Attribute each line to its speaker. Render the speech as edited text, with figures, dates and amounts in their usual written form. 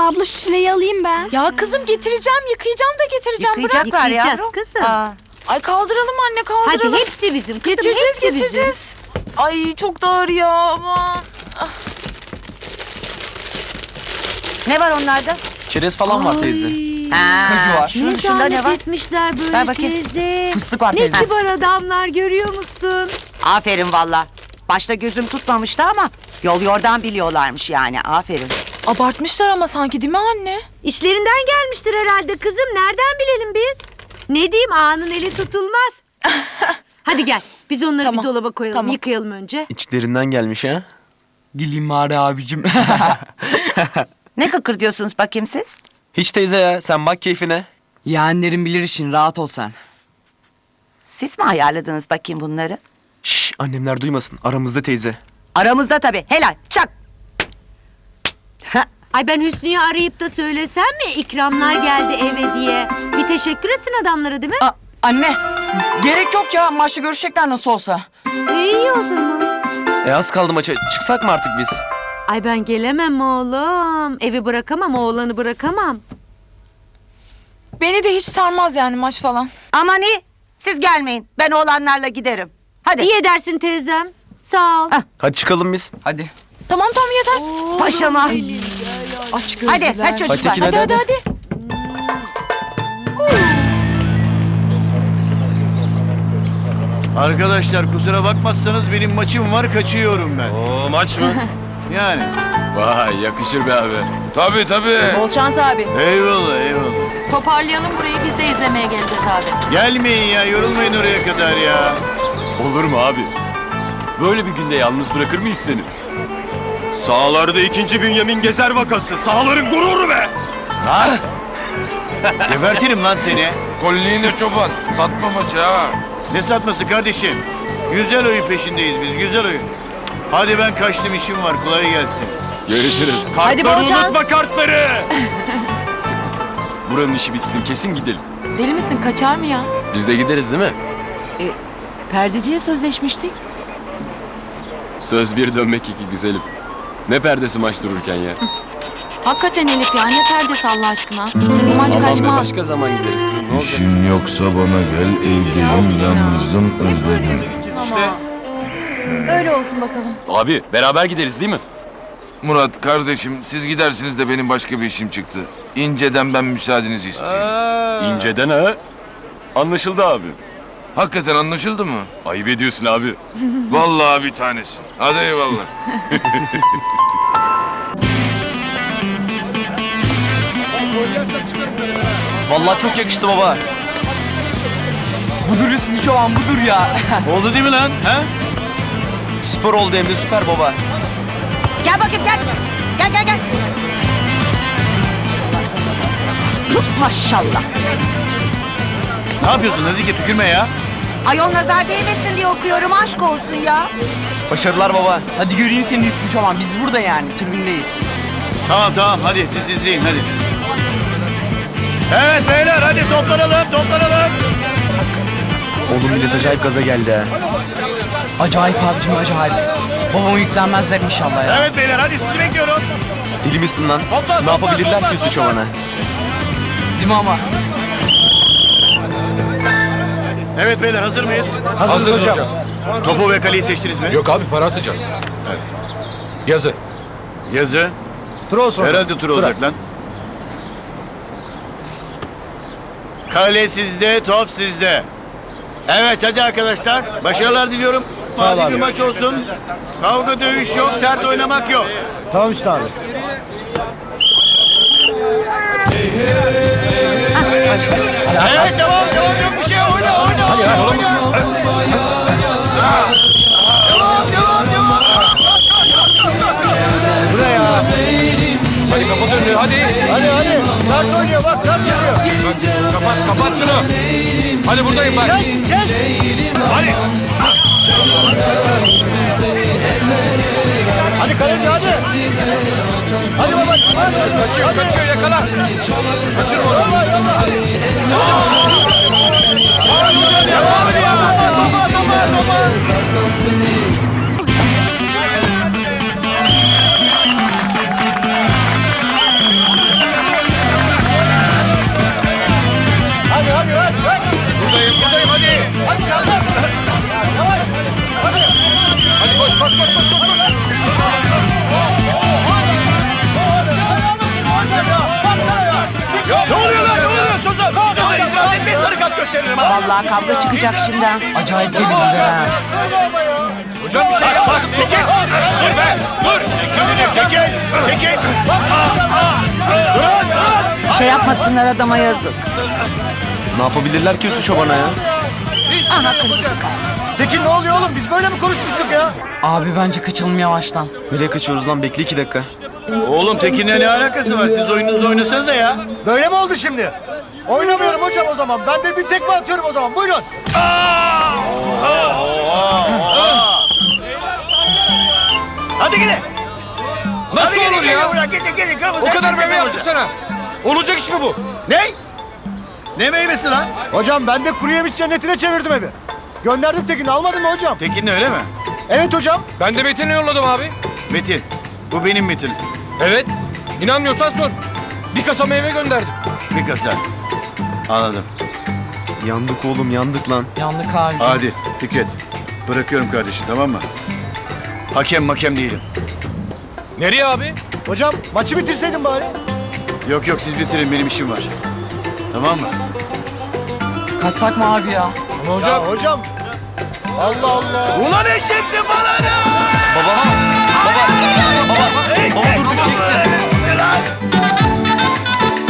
Speaker 1: Abla şu çileği alayım ben.
Speaker 2: Ya kızım getireceğim, yıkayacağım da getireceğim.
Speaker 3: Yıkayacaklar
Speaker 4: Yıkayacağız
Speaker 3: yavrum.
Speaker 4: kızım.
Speaker 3: Aa,
Speaker 2: Ay kaldıralım anne, kaldıralım.
Speaker 4: Hadi hepsi bizim kızım,
Speaker 2: Getireceğiz,
Speaker 4: hepsi bizim.
Speaker 2: getireceğiz. Ay çok da ağır ya aman.
Speaker 3: ne var onlarda?
Speaker 5: Çerez falan var teyze.
Speaker 3: Kaju
Speaker 5: var.
Speaker 3: Şunda ne var?
Speaker 4: etmişler böyle
Speaker 3: Ver bakayım.
Speaker 4: teyze.
Speaker 5: Fıstık var
Speaker 4: Ne
Speaker 5: teyze.
Speaker 4: kibar adamlar görüyor musun?
Speaker 3: Aferin valla. Başta gözüm tutmamıştı ama yol yordan biliyorlarmış yani. Aferin.
Speaker 2: Abartmışlar ama sanki değil mi anne?
Speaker 4: İşlerinden gelmiştir herhalde kızım. Nereden bilelim biz? Ne diyeyim, ağanın eli tutulmaz. Hadi gel biz onları
Speaker 2: Tamam,
Speaker 4: bir dolaba koyalım,
Speaker 2: tamam.
Speaker 4: yıkayalım önce.
Speaker 5: İçlerinden gelmiş ha.
Speaker 6: Dileyim bari abicim.
Speaker 3: Ne kıkır diyorsunuz bakayım siz?
Speaker 5: Hiç teyze ya, sen bak keyfine.
Speaker 6: Yeğenlerin bilir işin, rahat ol sen.
Speaker 3: Siz mi ayarladınız bakayım bunları?
Speaker 5: Şşş, annemler duymasın, aramızda teyze.
Speaker 3: Aramızda tabii. Helal. Çak.
Speaker 4: Ay ben Hüsnü'yü arayıp da söylesem mi ikramlar geldi eve diye. Bir teşekkür etsin adamlara değil mi?
Speaker 6: Anne, gerek yok ya. Maçta görüşecekler nasıl olsa.
Speaker 4: İyi o zaman.
Speaker 5: Az kaldı maça, çıksak mı artık biz?
Speaker 4: Ay ben gelemem oğlum. Evi bırakamam, oğlanı bırakamam.
Speaker 2: Beni de hiç sarmaz yani maç falan.
Speaker 3: Aman iyi. Siz gelmeyin. Ben oğlanlarla giderim. Hadi.
Speaker 4: İyi edersin teyzem. Sağ ol.
Speaker 5: Hadi çıkalım biz.
Speaker 6: Hadi.
Speaker 2: Tamam tamam yeter.
Speaker 3: Paşama.
Speaker 2: Aç
Speaker 3: Hadi. Hadi çocuklar.
Speaker 5: Tekin,
Speaker 2: hadi.
Speaker 7: Arkadaşlar kusura bakmazsanız benim maçım var, kaçıyorum ben.
Speaker 5: Oo, maç mı?
Speaker 7: Yani.
Speaker 8: Vay yakışır be abi. Tabii.
Speaker 2: Bol şans abi.
Speaker 7: Eyvallah eyvallah.
Speaker 9: Toparlayalım burayı, biz de izlemeye geleceğiz abi.
Speaker 7: Gelmeyin ya, yorulmayın oraya kadar ya.
Speaker 8: Olur mu abi? Böyle bir günde yalnız bırakır mıyız seni?
Speaker 10: Sahalarda 2. Bünyamin Gezer vakası. Sahaların gururu be!
Speaker 7: Gebertirim lan seni.
Speaker 8: Kolliğine çoban. Satma maçı ha.
Speaker 7: Ne satması kardeşim? Güzel oyun peşindeyiz biz, güzel oyun. Hadi ben kaçtım, işim var, kolay gelsin.
Speaker 8: Görüşürüz.
Speaker 2: Hadi bol
Speaker 10: Kartları
Speaker 2: şans.
Speaker 10: unutma kartları!
Speaker 8: Buranın işi bitsin kesin gidelim.
Speaker 9: Deli misin, kaçar mı ya?
Speaker 8: Biz de gideriz değil mi?
Speaker 9: Perdeciye sözleşmiştik.
Speaker 8: Söz bir dönmek iki güzelim. Ne perdesi maç dururken ya.
Speaker 9: Hakikaten Elif ya, ne perdesi Allah aşkına. Bu maç
Speaker 8: Aman be,
Speaker 9: kaçmaz.
Speaker 8: başka zaman gideriz kızım, ne olacak?
Speaker 11: İşin yoksa bana gel, evdeyim, yalnızım, özledim.
Speaker 7: İşte.
Speaker 2: Öyle olsun bakalım.
Speaker 8: Abi beraber gideriz değil mi?
Speaker 10: Murat kardeşim siz gidersiniz de benim başka bir işim çıktı. İnce'den ben müsaadenizi isteyeyim.
Speaker 8: İnceden ha. Anlaşıldı abi.
Speaker 10: Hakikaten anlaşıldı mı?
Speaker 8: Ayıp ediyorsun abi.
Speaker 10: Vallahi bir tanesi. Hadi eyvallah.
Speaker 5: Vallahi çok yakıştı baba.
Speaker 6: Budur Hüsnü Çoban, budur ya.
Speaker 7: Oldu değil mi lan? Ha?
Speaker 5: Süper oldu hem de süper baba.
Speaker 3: Gel bakayım gel. Gel. Maşallah.
Speaker 7: Ne yapıyorsun Nazike, tükürme ya.
Speaker 3: Ayol nazar değmesin diye okuyorum, aşk olsun ya.
Speaker 5: Başarılar baba.
Speaker 6: Hadi göreyim seni Hüsnü Çoban. Biz burada yani, tribündeyiz.
Speaker 7: Tamam hadi siz izleyin hadi. Evet beyler hadi toplanalım.
Speaker 5: Oğlum millet acayip gaza geldi ha.
Speaker 6: Acayip abicim, acayip. Babama yüklenmezler inşallah ya.
Speaker 7: Evet beyler hadi sizi bekliyorum.
Speaker 5: Deli misin lan? Ne yapabilirler ki Hüsnü Çoban'a?
Speaker 6: Değil mi ama?
Speaker 7: Evet beyler hazır mıyız?
Speaker 10: Hazırız hocam.
Speaker 7: Topu ve kaleyi seçtiniz mi?
Speaker 10: Yok abi para atacağız. Yazı.
Speaker 7: Yazı. Tur olsun. Herhalde tur olacak lan. Kale sizde, top sizde. Evet hadi arkadaşlar. Başarılar diliyorum. Hadi bir maç olsun. Kavga dövüş yok, sert oynamak yok.
Speaker 11: Tamam işte abi.
Speaker 7: Evet devam yok bir şey oyna.
Speaker 10: Hadi kapat önünü hadi.
Speaker 7: Hadi. Kart oynuyor bak, kart geliyor.
Speaker 10: Kapat şunu. Hadi buradayım bak.
Speaker 7: Hadi. Hadi kaleci hadi. Hadi baba.
Speaker 10: Kaçıyor yakala. Kaçırma onu.
Speaker 7: gösteririm ha.
Speaker 3: Vallahi kavga çıkacak şimdi. ha.
Speaker 6: Acayip gerildiler ha.
Speaker 7: Hocam bir şey yap. Bak çekil. Dur be. Dur. Çekil. Çekil. Durun.
Speaker 3: Bir şey yapmasınlar adama yazık.
Speaker 5: Ne yapabilirler ki Hüsnü Çoban'a ya?
Speaker 3: Aha kırmızı kart.
Speaker 7: Tekin ne oluyor oğlum? Biz böyle mi konuşmuştuk ya?
Speaker 6: Abi bence kaçalım yavaştan.
Speaker 5: Nereye kaçıyoruz lan? Bekle 2 dakika.
Speaker 7: Oğlum Tekin'le ne alakası var? Siz oyununuzu oynasanıza ya. Böyle mi oldu şimdi? Oynamıyorum hocam o zaman. Ben de bir tekme atıyorum o zaman. Buyurun. Hadi gidin.
Speaker 8: Nasıl olur ya?
Speaker 7: Gidin.
Speaker 8: O kadar meyve yaptık sana. Olacak iş mi bu?
Speaker 7: Ne? Ne meyvesi lan?
Speaker 1: Hocam ben de kuru yemiş cennetine çevirdim evi. Gönderdik Tekin'i, almadın mı hocam?
Speaker 7: Tekin'le öyle mi?
Speaker 1: Evet hocam.
Speaker 8: Ben de Metin'i yolladım abi.
Speaker 7: Metin. Bu benim Metin.
Speaker 8: Evet. İnanmıyorsan sor. Bir kasa meyve gönderdim.
Speaker 7: Bir kasa. Anladım.
Speaker 5: Yandık oğlum, yandık lan.
Speaker 6: Yandık abi.
Speaker 7: Hadi Fikret. Bırakıyorum kardeşim, tamam mı? Hakem değilim.
Speaker 8: Nereye abi?
Speaker 1: Hocam maçı bitirseydin bari.
Speaker 7: Yok siz bitirin, benim işim var. Tamam mı?
Speaker 6: Kaçsak mı abi ya?
Speaker 8: Ama hocam.
Speaker 1: Ya hocam. Allah Allah.
Speaker 7: Ulan eşeksin bana ne?
Speaker 5: Baba dur düşeceksin.